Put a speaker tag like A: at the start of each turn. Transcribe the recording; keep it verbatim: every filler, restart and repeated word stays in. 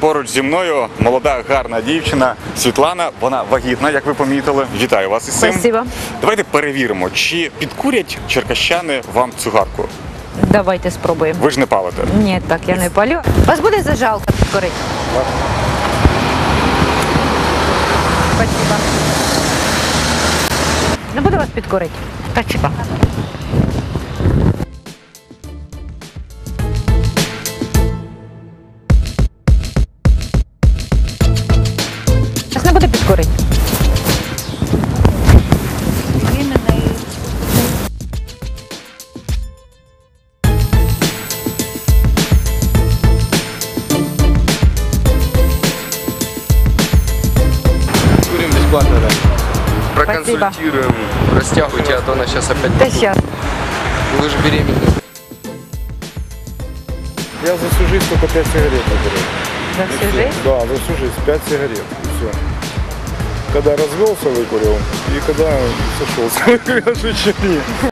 A: Поруч зі мною молода, гарна дівчина Світлана. Вона вагітна, як ви помітили. Вітаю вас із цим.
B: Спасибо.
A: Давайте перевіримо, чи підкурять черкащани вам цигарку.
B: Давайте спробуємо.
A: Ви ж не палите.
B: Ні, так, я не палю. Вас буде зажалка підкорити? Спасибо. Не буду вас підкорити. Спасибо. Вас не буде підкорити?
C: Курим бесплатно, да.
B: Спасибо.
C: Проконсультируем, растягивайте, а то она сейчас опять...
B: Та щас.
C: Вы же беременны.
D: Я за всю жизнь только пять сигарет наберу.
B: За всю жизнь?
D: Да, за всю жизнь пять сигарет. И все. Когда развелся, выкурил, и когда сошелся, я же еще не.